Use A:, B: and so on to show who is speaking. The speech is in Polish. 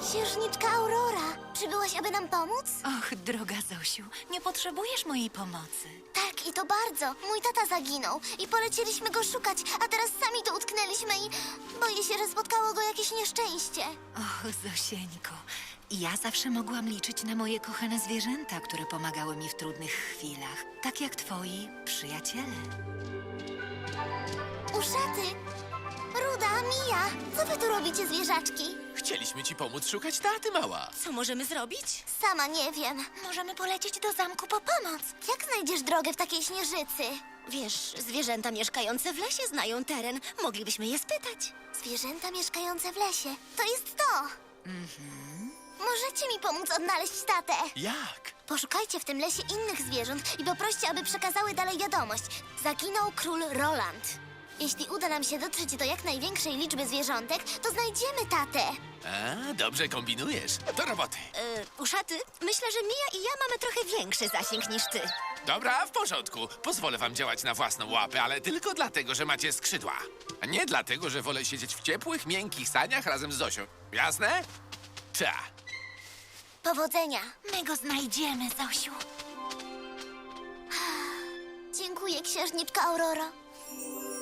A: Księżniczka Aurora, przybyłaś, aby nam pomóc?
B: Och, droga Zosiu, nie potrzebujesz mojej pomocy.
A: Tak, i to bardzo. Mój tata zaginął i polecieliśmy go szukać, a teraz sami tu utknęliśmy i boję się, że spotkało go jakieś nieszczęście.
B: Och, Zosieńko, ja zawsze mogłam liczyć na moje kochane zwierzęta, które pomagały mi w trudnych chwilach, tak jak twoi przyjaciele.
A: Uszaty! Ruda, Mija, co wy tu robicie, zwierzaczki?
C: Chcieliśmy ci pomóc szukać taty, mała.
B: Co możemy zrobić?
A: Sama nie wiem.
B: Możemy polecieć do zamku po pomoc.
A: Jak znajdziesz drogę w takiej śnieżycy?
D: Wiesz, zwierzęta mieszkające w lesie znają teren. Moglibyśmy je spytać.
A: Zwierzęta mieszkające w lesie. To jest to! Możecie mi pomóc odnaleźć tatę?
C: Jak?
A: Poszukajcie w tym lesie innych zwierząt i poproście, aby przekazały dalej wiadomość. Zaginął król Roland. Jeśli uda nam się dotrzeć do jak największej liczby zwierzątek, to znajdziemy tatę.
C: A, dobrze kombinujesz. Do roboty.
D: Uszaty, myślę, że Mija i ja mamy trochę większy zasięg niż ty.
C: Dobra, w porządku. Pozwolę wam działać na własną łapę, ale tylko dlatego, że macie skrzydła. A nie dlatego, że wolę siedzieć w ciepłych, miękkich saniach razem z Zosią. Jasne? Ta.
A: Powodzenia.
B: My go znajdziemy, Zosiu.
A: Dziękuję, księżniczko Auroro.